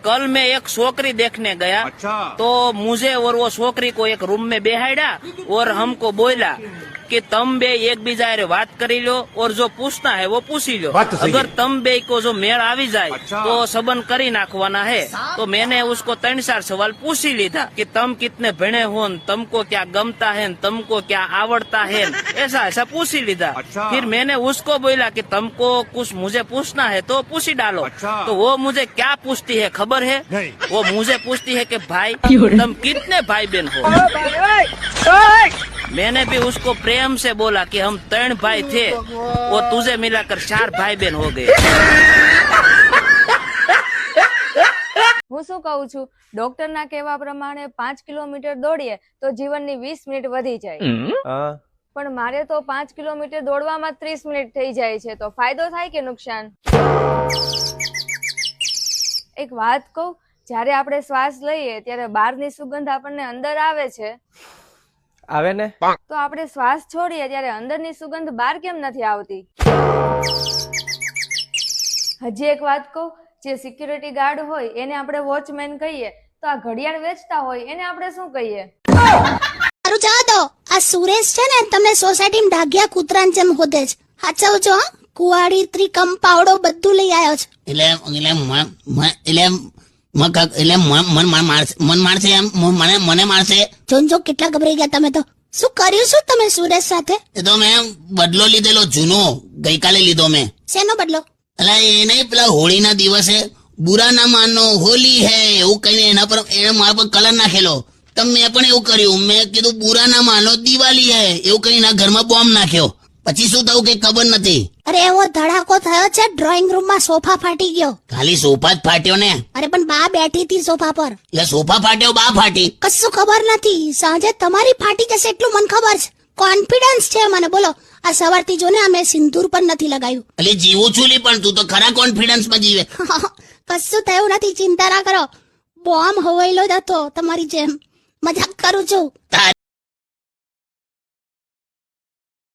कल मैं एक छोकरी देखने गया। तो मुझे और वो छोकरी को एक रूम में बेहाड़ा और हमको बोला कि तम बे एक बीजा रे बात करी लो और जो पूछना है वो पूछी लो। अगर तम बे को जो मेल आवी जाए तो सबन करी नाखवाना है। तो मैंने उसको 3-4 सवाल पूछी लीधा कि तम कितने भणे हो, तुमको क्या गमता है, तुमको क्या आवड़ता है, ऐसा ऐसा पूछी लीधा। फिर मैंने उसको बोला कि तुमको कुछ मुझे पूछना है तो पूछी डालो। तो वो मुझे क्या पूछती है खबर है? वो मुझे पूछती है कि भाई तुम कितने भाई बहन हो। मैंने भी उसको प्रेम से बोला कि हम 3 भाई थे और तुझे मिलाकर 4 भाई बहन हो गए। હું શું કહું છું, ડોક્ટરના કહેવા પ્રમાણે 5 કિલોમીટર દોડીએ તો જીવનની 20 મિનિટ વધી જાય, પણ મારે તો 5 કિલોમીટર દોડવામાં 30 મિનિટ થઈ જાય છે, તો ફાયદો થાય કે નુકસાન? એક વાત કહું, જ્યારે આપણે શ્વાસ લઈએ ત્યારે બહારની સુગંધ આપણને અંદર આવે છે, આવે ને? તો આપણે શ્વાસ છોડીએ ત્યારે અંદરની સુગંધ બહાર કેમ નથી આવતી? હજી એક વાત કહું, જે સિક્યુરિટી ગાર્ડ હોય એને આપણે વોચમેન કહીએ, તો આ ઘડિયાળ વેચતા હોય એને આપણે શું કહીએ? મારું જવા દો, આ સુરેશ છે ને તમને સોસાયટીમાં ડાઘિયા કૂતરાની જેમ હોદે છે. સાચવજો હા, કુવાડી ત્રિકમ પાવડો બધું લઈ આવ્યો છે. મન મારશે એમ, મને મારશે. જોનજો કેટલા ગભરાઈ ગયા તમે તો. શું કર્યું શું તમે સુરેશ સાથે? એ તો મેં બદલો લીધેલો જૂનો, ગઈકાલે લીધો મેં. શેનો બદલો? એટલે એ નહીં, પેલા હોળીના દિવસે બુરા ના માનો હોલી હે એવું કહીને એના પર એને મારા પર કલર નાખેલો. તો મેં પણ એવું કર્યું, મેં કીધું બુરા ના માનો દિવાળી હે એવું કહીને એના ઘરમાં બોમ્બ નાખ્યો. પછી શું થયું કઈ ખબર નથી. અરે એવો ધડાકો થયો છે, ડ્રોઈંગ રૂમમાં સોફા ફાટી ગયો. ખાલી સોફા જ ફાટ્યો ને? અરે પણ બા બેઠી હતી સોફા પર. એટલે સોફા ફાટ્યો, બા ફાટી? કશું ખબર નથી, સાંજે તમારી ફાટી જશે એટલું મને ખબર છે. કોન્ફિડન્સ છે મને. બોલો, આ સવારથી જો ને અમે સિંદૂર પણ નથી લગાવ્યું. એટલે જીવું છું લી, પણ તું તો ખરા કોન્ફિડન્સ માં જીવે. કશું થયું નથી, ચિંતા ના કરો. બોમ્બ હવાયેલો જ હતો તમારી જેમ. મજાક કરું છું.